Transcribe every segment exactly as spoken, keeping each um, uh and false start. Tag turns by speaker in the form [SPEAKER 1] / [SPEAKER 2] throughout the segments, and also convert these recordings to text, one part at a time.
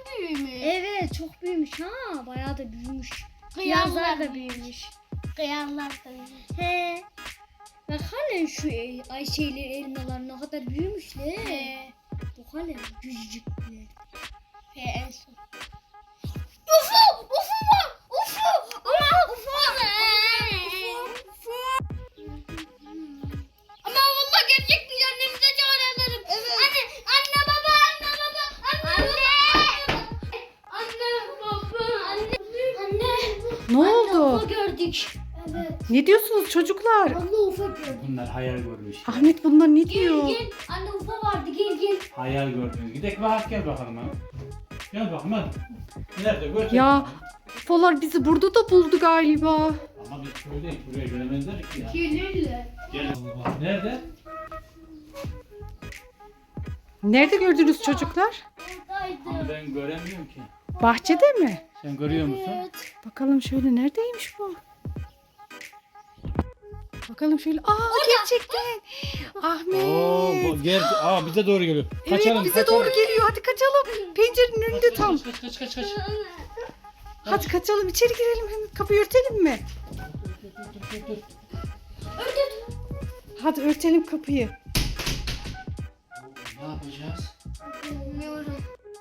[SPEAKER 1] büyümüş.
[SPEAKER 2] Evet çok büyümüş ha. Bayağı da büyümüş.
[SPEAKER 1] Kıyarlar
[SPEAKER 2] Yazlar da
[SPEAKER 1] da
[SPEAKER 2] büyümüş.
[SPEAKER 1] Kıyarlar da büyümüş.
[SPEAKER 2] He. Bak halen şu e, ay şeyler elmalar ne kadar büyümüşler.
[SPEAKER 1] He.
[SPEAKER 2] Bu halen küçücükler.
[SPEAKER 1] He en son. Ufu! Ufu var! Ufu! Ama ufu! Ama vallahi gerçek bir annemize çağıralım. Evet. Anne, anne baba, anne baba, anne baba. Anne baba, anne. Anne.
[SPEAKER 3] Ne
[SPEAKER 1] Anne
[SPEAKER 3] oldu?
[SPEAKER 1] ufu gördük. Evet.
[SPEAKER 3] Ne diyorsunuz çocuklar?
[SPEAKER 1] Anne ufu gördük.
[SPEAKER 4] Bunlar hayal görmüş.
[SPEAKER 3] Ahmet bunlar ne
[SPEAKER 1] Gel
[SPEAKER 3] diyor?
[SPEAKER 1] gel. Anne ufu vardı gel gel.
[SPEAKER 4] Hayal gördünüz. Gidelim bak gel bakalım ha. Gel bakalım hadi. Nerede gördün?
[SPEAKER 3] Ya Folar bizi burada da buldu galiba.
[SPEAKER 4] Ama biz köydeyiz. Buraya gelemezler ki ya.
[SPEAKER 1] Gelirler.
[SPEAKER 4] Gel. Allah. Nerede?
[SPEAKER 3] Nerede gördünüz çocuklar?
[SPEAKER 4] Ama
[SPEAKER 1] Oradaydı.
[SPEAKER 4] ben göremiyorum ki.
[SPEAKER 3] Bahçede mi?
[SPEAKER 4] Sen görüyor musun?
[SPEAKER 1] Evet.
[SPEAKER 3] Bakalım şöyle neredeymiş bu? Bakalım şöyle. Aa gerçekten. Ahmet.
[SPEAKER 4] Oo, bu gel. Aa bize doğru geliyor. Kaçalım.
[SPEAKER 3] Evet bize
[SPEAKER 4] kaçalım.
[SPEAKER 3] doğru geliyor. Hadi kaçalım. Pencerenin önünde
[SPEAKER 4] Kaç,
[SPEAKER 3] tam.
[SPEAKER 4] Kaç kaç kaç kaç. kaç.
[SPEAKER 3] Hadi kaçalım içeri girelim. Hemen kapıyı örtelim mi?
[SPEAKER 4] Dur, dur, dur, dur.
[SPEAKER 3] Hadi örtelim kapıyı.
[SPEAKER 4] Ne yapacağız?
[SPEAKER 1] Bilmiyorum.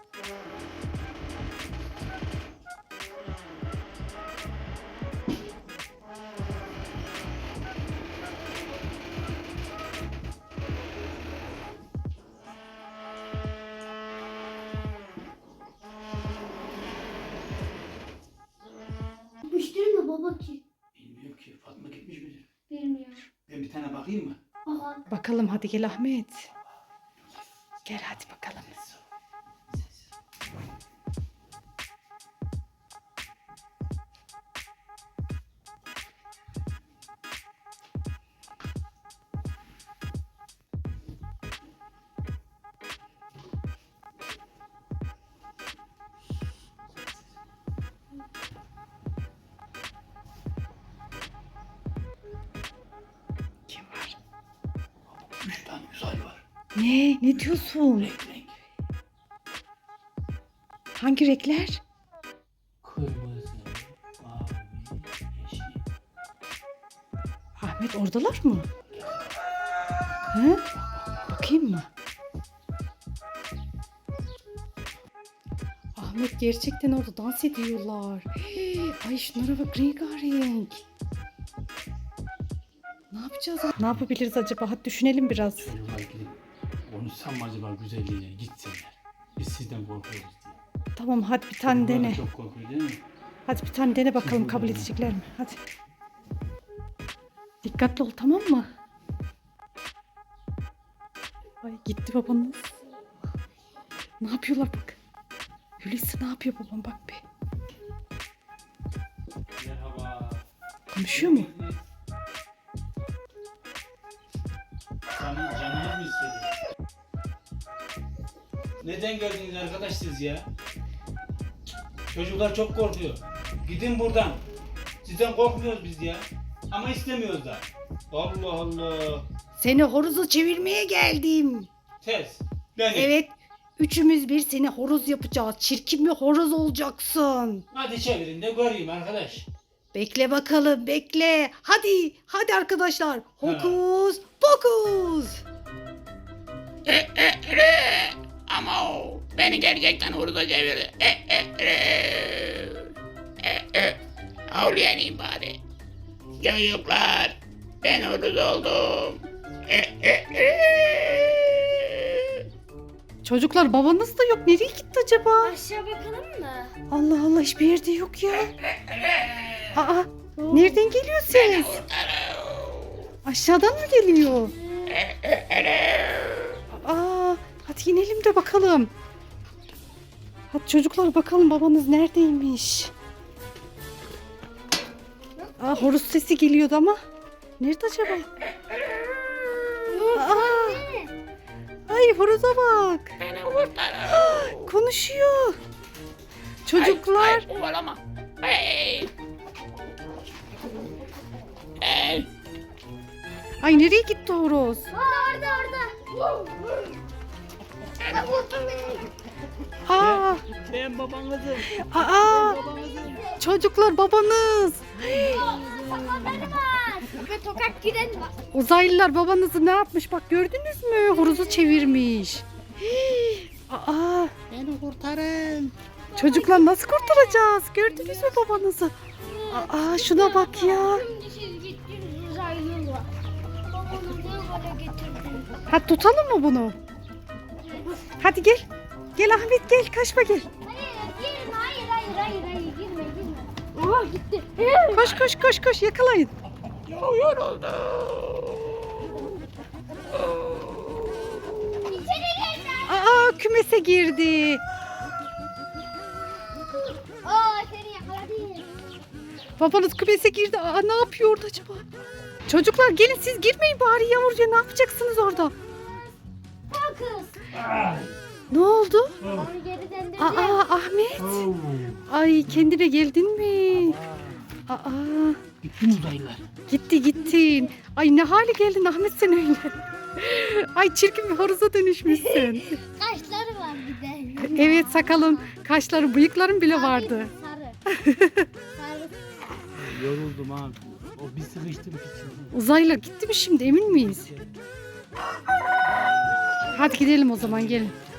[SPEAKER 1] Gitmiştir mi baba ki?
[SPEAKER 4] Bilmiyorum ki. Fatma gitmiş midir?
[SPEAKER 1] Bilmiyorum.
[SPEAKER 4] Ben bir tane bakayım mı?
[SPEAKER 1] Baba.
[SPEAKER 3] Bakalım hadi gel Ahmet. Gel hadi bakalım. Kim var?
[SPEAKER 4] Üç tane uzay var.
[SPEAKER 3] Ne? Ne diyorsun?
[SPEAKER 4] Renk renk.
[SPEAKER 3] Hangi renkler?
[SPEAKER 4] Kırmızı, mavi, yeşil.
[SPEAKER 3] Ahmet oradalar mı? He? Bakayım mı? Ahmet gerçekten orada dans ediyorlar. Hey, ay şunlara bak rengarenk. Ne yapacağız? Ne yapabiliriz acaba? Hadi düşünelim biraz.
[SPEAKER 4] Çocuklar gidip konuşsam mı acaba güzelliğine gitsinler. Biz sizden korkuyoruz diye.
[SPEAKER 3] Tamam hadi bir tane
[SPEAKER 4] Çocuklar da
[SPEAKER 3] dene.
[SPEAKER 4] çok korkuyor değil mi?
[SPEAKER 3] Hadi bir tane dene bakalım kabul edecekler mi? Hadi. Dikkatli ol tamam mı? Ay gitti babanız. Ne yapıyorlar bak. Hulusi ne yapıyor babam bak be.
[SPEAKER 4] Merhaba.
[SPEAKER 3] Konuşuyor mu?
[SPEAKER 4] Canım, canınız mı istedi? Neden geldiniz arkadaş siz ya? Çocuklar çok korkuyor. Gidin buradan. Sizden korkmuyoruz biz ya. Ama istemiyoruz da. Allah Allah.
[SPEAKER 3] Seni horoza çevirmeye geldim.
[SPEAKER 4] Tez. Beni.
[SPEAKER 3] Evet. Üçümüz bir seni horoz yapacağız. Çirkin bir horoz olacaksın.
[SPEAKER 4] Hadi çevirin de göreyim arkadaş.
[SPEAKER 3] Bekle bakalım bekle. Hadi hadi arkadaşlar. Hokus pokus.
[SPEAKER 5] Ama o beni gerçekten hurda çevirdi. E, e, e. E, e. Havlayanayım bari. Çocuklar ben huruz oldum. E, e, e.
[SPEAKER 3] Çocuklar babanız da yok. Nereye gitti acaba?
[SPEAKER 1] Aşağı bakalım mı?
[SPEAKER 3] Allah Allah hiçbir yerde yok ya. Aa nereden geliyor ses? Aşağıdan mı geliyor? Aa hadi inelim de bakalım. Hadi çocuklar bakalım babanız neredeymiş? Aa horoz sesi geliyordu ama. Nerede acaba? Aa, ay horoza bak.
[SPEAKER 5] Beni kurtarın.
[SPEAKER 3] Konuşuyor. Çocuklar.
[SPEAKER 5] Ay, ay, kovalama. Ay. Ay.
[SPEAKER 3] Ay nereye gitti horoz?
[SPEAKER 1] Orada orada orada.
[SPEAKER 5] Beni kurtarın.
[SPEAKER 3] Aa,
[SPEAKER 4] Ben babanızım.
[SPEAKER 3] aa, çocuklar babanız.
[SPEAKER 1] Sakalları var. Ve tokat giren var.
[SPEAKER 3] Uzaylılar babanızı ne yapmış bak gördünüz mü? Horozu çevirmiş. Hii, aa,
[SPEAKER 5] Beni kurtarın.
[SPEAKER 3] çocuklar nasıl kurtaracağız? Gördünüz mü babanızı? Aa, şuna bak ya.
[SPEAKER 1] Şimdi siz gittiniz uzaylılar. Babanı ne hale getirdiniz?
[SPEAKER 3] Hadi tutalım mı bunu? Hadi gel. Gel Ahmet gel kaçma gel.
[SPEAKER 1] Hayır girme hayır hayır hayır hayır girme girme. Oha gitti.
[SPEAKER 3] Koş koş koş koş yakalayın.
[SPEAKER 5] Çok yoruldum.
[SPEAKER 1] İçeri girme.
[SPEAKER 3] Aa kümese girdi.
[SPEAKER 1] Aa seni yakaladım.
[SPEAKER 3] Babanız kümese girdi. Aa ne yapıyor orada acaba? Çocuklar gelin siz girmeyin bari yavruca ne yapacaksınız orada?
[SPEAKER 1] Al kız.
[SPEAKER 3] Ne oldu?
[SPEAKER 1] Onu geri döndürdüm.
[SPEAKER 3] Aa Ahmet. Ay kendine geldin mi? Aa
[SPEAKER 4] Gittim uzaylılar.
[SPEAKER 3] gitti gittin. Ay ne hale geldin Ahmet sen öyle. Ay çirkin bir horoza dönüşmüşsün.
[SPEAKER 1] Kaşları var bir de.
[SPEAKER 3] Evet sakalın, kaşların, bıyıkların bile vardı.
[SPEAKER 1] Sarı. Sarı.
[SPEAKER 4] Yoruldum abi. O bir sıkıştım içime.
[SPEAKER 3] Uzaylılar gitti mi şimdi emin miyiz? Hadi gidelim o zaman gelin.